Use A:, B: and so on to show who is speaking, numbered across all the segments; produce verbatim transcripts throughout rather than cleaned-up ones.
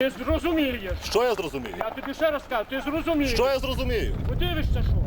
A: Ти зрозумієш.
B: Що я зрозумію?
A: Я тобі ще раз кажу, ти зрозумієш.
B: Що я зрозумію?
A: Подивишся, що?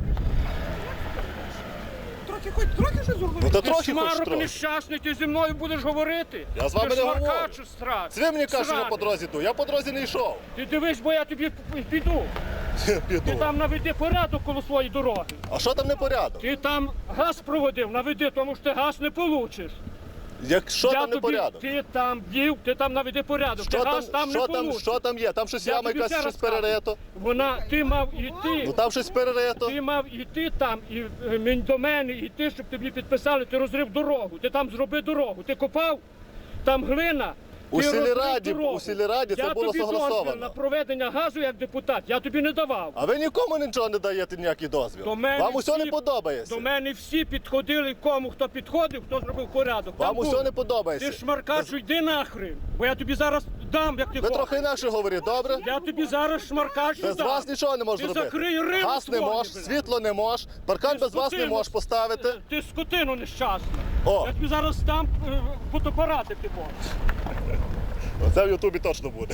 C: Трохи хоч трохи щось зробити.
B: Ну та
A: Ти
B: трохи хоч
A: шмарок
B: трохи.
A: нещасний, ти зі мною будеш говорити.
B: Я з вами
A: ти
B: не говорю.
A: шмаркачу страт.
B: Це ви мені кажете, що я
A: Сраний.
B: по дорозі йду. Я по дорозі не йшов.
A: Ти дивись, бо я тобі піду. Ти
B: Піду.
A: там наведи порядок коло своєї дороги.
B: А що там не порядок?
A: Ти там газ проводив, наведи, тому що ти газ не получиш.
B: Як, що
A: Я
B: там не
A: тобі,
B: порядок?
A: ти там б'їв, ти там наведи порядок.
B: Що
A: ти
B: там,
A: газ там
B: що
A: не
B: там,
A: получиш.
B: що там є? Там щось
A: Я
B: яма
A: тобі
B: якась,
A: ще
B: щось
A: раз кажу.
B: перерито.
A: Вона, ти мав іти.
B: Ну там щось перерито.
A: Ти мав іти там і е, мен- до мене іти, щоб тобі підписали, ти розрив дорогу, ти там зроби дорогу, ти копав, там глина.
B: У
A: ти розрив
B: сільраді-
A: дорогу.
B: у сільраді це
A: я
B: було
A: тобі
B: согласовано.
A: дозвіл на проведення газу як депутат, я тобі не давав.
B: А ви нікому нічого не даєте ніякий дозвіл.
A: До мене
B: Вам усе
A: всі-
B: не подобається.
A: До мене всі підходили, кому хто підходив, хто зробив порядок.
B: Вам
A: Там
B: усе
A: було.
B: не подобається.
A: Ти шмаркачу, йди нахрен, бо я тобі зараз дам, як ти
B: Ви
A: хочеш.
B: трохи інакше говорите, добре?
A: Я тобі зараз шмаркачу
B: Без
A: дам.
B: вас нічого не можу
A: Ти
B: зробити.
A: закрий рибу
B: Газ не
A: свою,
B: можеш,
A: блядь.
B: світло не можеш, паркан без вас не
A: Скотину.
B: можеш поставити.
A: Ти скотину нещасну.
B: О.
A: Я тобі зараз дам е, фотоапарати ти можеш.
B: Оце в Ютубі точно буде.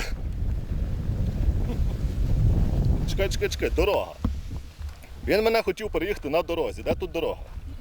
B: Чекай, чекай, чекай, дорога. Він мене хотів переїхати на дорозі. Де тут дорога?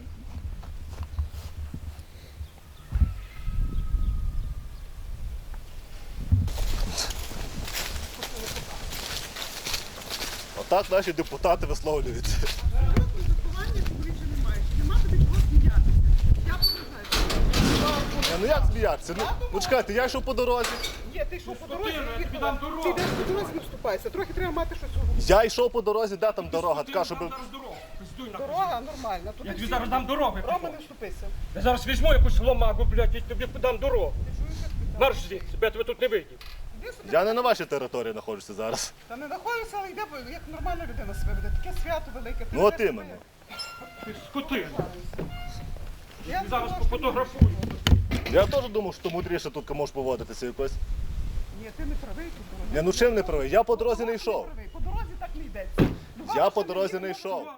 B: Отак наші депутати висловлюються.
C: Контактування публічно не маєш. Нема тобі чого сміятися. Я поважаю.
B: Е, Ну як сміятися? Ну, ну чекайте, я йшов по дорозі.
C: Є, ти що по дорозі?
A: Скотина, я тобі дам дорогу.
C: Ти йдеш по дорозі, не вступайся. Трохи треба мати щось у голові.
B: Я йшов по дорозі, де там дорога,
A: Ти
B: така,
A: дам
B: щоб.
A: зараз дорогу. Пиздуй нахуй.
C: Дорога нормальна. Туди
A: Я тобі
C: всі-
A: зараз дам дорогу. як ти
C: Рома, не
A: хочеш.
C: вступися.
A: Я зараз візьму якусь ломагу, блядь, і тобі подам дорогу. Марш звідси, бо я тебе тут не вийду.
C: Іди собі.
B: Я не на вашій території знаходжуся зараз.
C: Та не знаходишся, але йде, бо як нормальна людина себе веде. Таке свято велике. Ти
B: Ну от
C: ведеш
B: іменно.
C: себе-
A: Ти скотина.
C: Я
A: Ти зараз
C: сказала, що-
A: пофотографую.
B: Я теж думав, що мудріше тут можеш поводитися якось.
C: Ні, ти не правий тут. дорога.
B: Я ну чим не правий? Я по дорозі не
C: Ти
B: йшов.
C: правий. По дорозі так не йдеться. Люба
B: Я по
C: машина
B: дорозі
C: їде,
B: не
C: вона
B: йшов.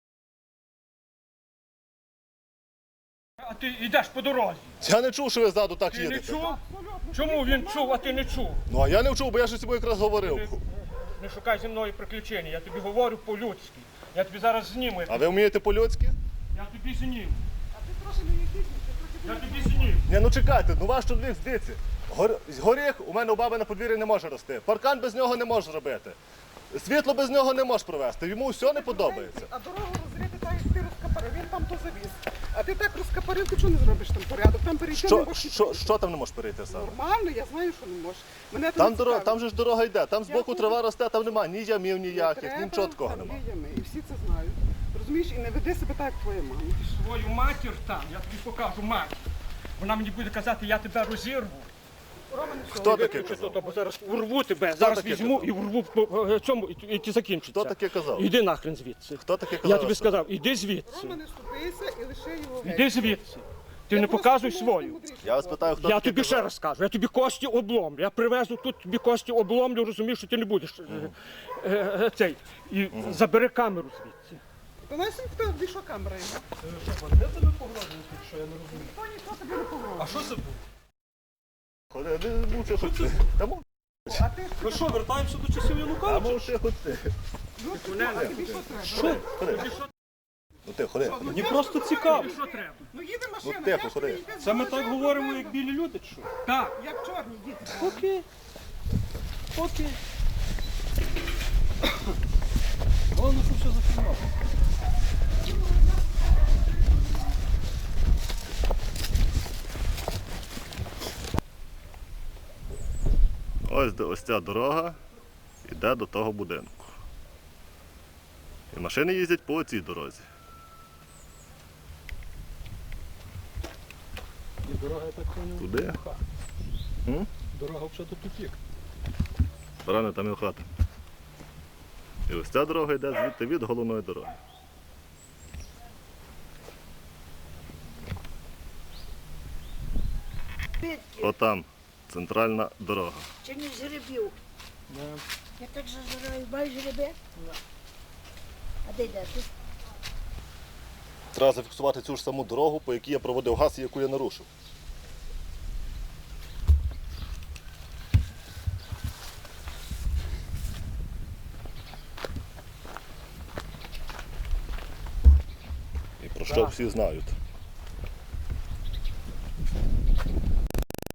A: А ти йдеш по дорозі.
B: Я не чув, що ви ззаду так
A: Ти не
B: їдете.
A: чув?
C: Абсолютно.
A: Чому він чув, а ти не чув?
B: Ну а я не чув, бо я ж з тобою якраз говорив.
A: Не шукай зі мною приключень, я тобі говорю по-людськи. Я тобі зараз зніму.
B: А ви вмієте по-людськи?
A: Я тобі зніму.
C: А ти трохи не їхідніше, трохи
A: Я
C: не
A: тобі зніму.
B: Ні, ну чекайте, ну ваш чоловік здиться. Гор... Горіх у мене у баби на подвір'ї не може рости. Паркан без нього не можеш зробити. Світло без нього не можеш провести. Йому все не подобається.
C: А дорогу розрити так, як ти розкапарив, він там то завіз. А ти так розкапарив, ти чого не зробиш там порядок? Там перейти не
B: Що,
C: можеш.
B: що, що там не можеш перейти саме?
C: Нормально, я знаю, що не можеш. Мене то
B: Там,
C: не
B: дорога,
C: цікавить.
B: там же ж дорога йде, там збоку
C: Я
B: трава росте, там немає ні ямів
C: Не
B: ніяких,
C: треба,
B: нічого такого
C: там
B: немає.
C: є ями, і всі це знають. Розумієш, і не веди себе так, як твоя мама.
A: Свою матір там, я тобі покажу матір. Вона мені буде казати, я тебе розірву.
B: Хто таке
A: Виключи
B: казав?
A: то, бо зараз урву тебе, зараз
B: таке
A: візьму
B: казав?
A: і урву по е, цьому, і, і, і закінчиться.
B: Хто таке казав?
A: Іди нахрен звідси.
B: Хто таке казав?
A: Я тобі
B: що-
A: сказав, іди звідси.
C: Рома, не ступися і лише його геть.
A: Іди звідси. Ти
C: Я
A: не
C: просто
A: показуй
C: думаю,
A: свою.
C: ти мудріший.
B: Я вас питаю, хто
A: Я
B: таке
A: тобі
B: казав?
A: ще раз кажу, я тобі кості обломлю. Я привезу тут тобі кості обломлю, розумієш, що ти не будеш е, е, е, цей. І забери камеру звідси.
C: Та нас ніхто більше камера його.
A: Де тебе погрожують, що я не розумію?
C: Ніхто ніхто тобі не погрожує.
A: А що це було?
B: Ходи, не мовчи хоч ти. Та мов-
C: А ти
A: Ну що, вертаємося до часів
B: Та
A: Януковича?
B: мовчи хоч ти.
C: ну, ти, а тобі що треба?
A: Що?
B: Ходи.
A: Тобі що,
B: Ну ти, ходи.
C: Ну,
A: Мені
C: я
A: просто
C: ж
A: цікаво.
C: говорю.
A: Що треба?
C: Ну їде машина,
B: Ну, тихо,
C: я ж
B: ходи.
C: тобі йде з
A: Це ми
C: дороги,
A: так говоримо,
C: я
A: як білі люди, чи що? Так.
C: Як чорні діти.
A: Окей. Окей. Головне, що все зафільмовано.
B: Ось, де- ось ця дорога йде до того будинку. І машини їздять по цій дорозі.
D: І дорога, я так поняв,
B: Туди? М?
D: дорога взагалі до тупік.
B: Рано там і хата. І ось ця дорога йде звідти від головної дороги. Отам центральна дорога.
E: Чи не жеребів? Я так зажираю, маєш жеребе? А де йдеш?
B: Треба зафіксувати цю ж саму дорогу, по якій я проводив газ і яку я нарушив. про що
A: Так.
B: всі знають.